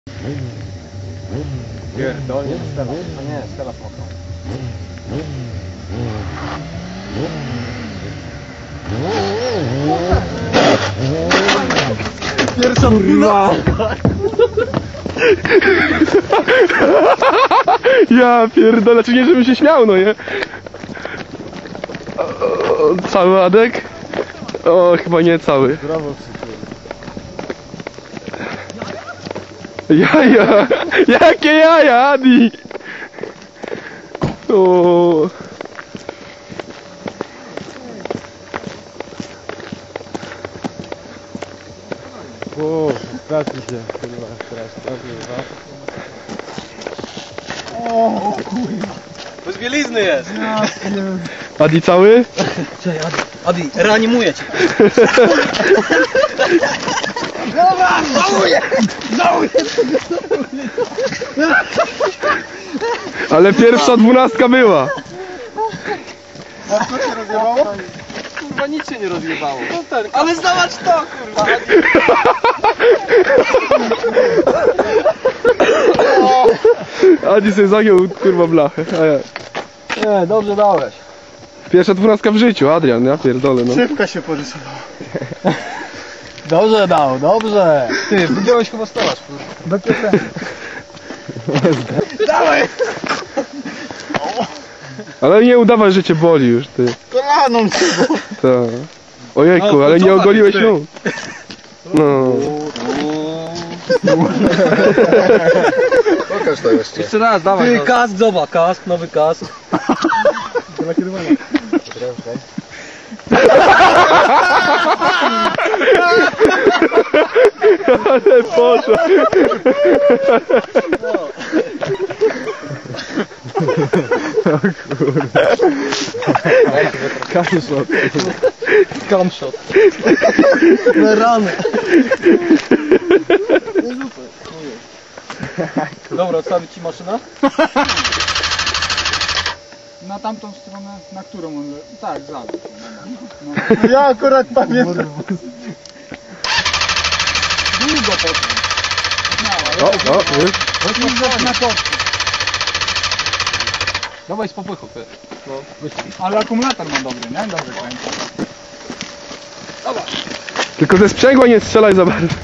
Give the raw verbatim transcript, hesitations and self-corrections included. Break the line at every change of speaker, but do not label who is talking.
Pierdolnie, to Stella. No nie, Stella smoknął. Pierwsza kurwa!
Ja pierdolę, czy nie, żebym się śmiał, no nie? O, cały Adek? O, chyba nie cały.
Brawo, przyjaciół.
Jaja! Jakie jaja, Adi! O.
O, trafi się, kurwa, teraz trafi, kurwa. O, kurwa.
Bez bielizny jest!
Adi cały?
Cześć, Adi, Adi, reanimuję cię!
Dobra, żałuję! Żałuję!
Ale pierwsza dwunastka była.
A co się rozjebało?
Kurwa, nic się nie rozjebało. Ale zobacz to, kurwa!
Adi sobie zagiął, kurwa, blachę. A ja.
Nie, dobrze dałeś.
Pierwsza dwunastka w życiu, Adrian, ja pierdolę, no.
Szybka się porysowała.
Dobrze dał, dobrze. Ty, wygiąłeś chyba stelaż, kurwa.
Do kieszeni. Dawaj!
Ale nie udawaj, że cię boli już, ty.
Kolaną się, bo...
Tak. Ojejku,
No,
ale
to
nie
co
ogoliłeś
ty?
nóg. No.
Pokaż to jeszcze.
Jeszcze raz, dawaj. Ty, kask, zobacz, kask, nowy kask.
Ale poszło.
Kamshot.
Camshot. Na rany. Dobra, odstawić ci maszynę?
Na tamtą stronę, na którą on... Tak, za.
No ja akurat pamiętam.
Długo potem.
O, o, już.
Chodźmy na pocztę.
Dawaj z popychu, ty. No,
Ale akumulator ma dobry, nie? Dobry kręci.
Tylko ze sprzęgła nie strzelaj za bardzo.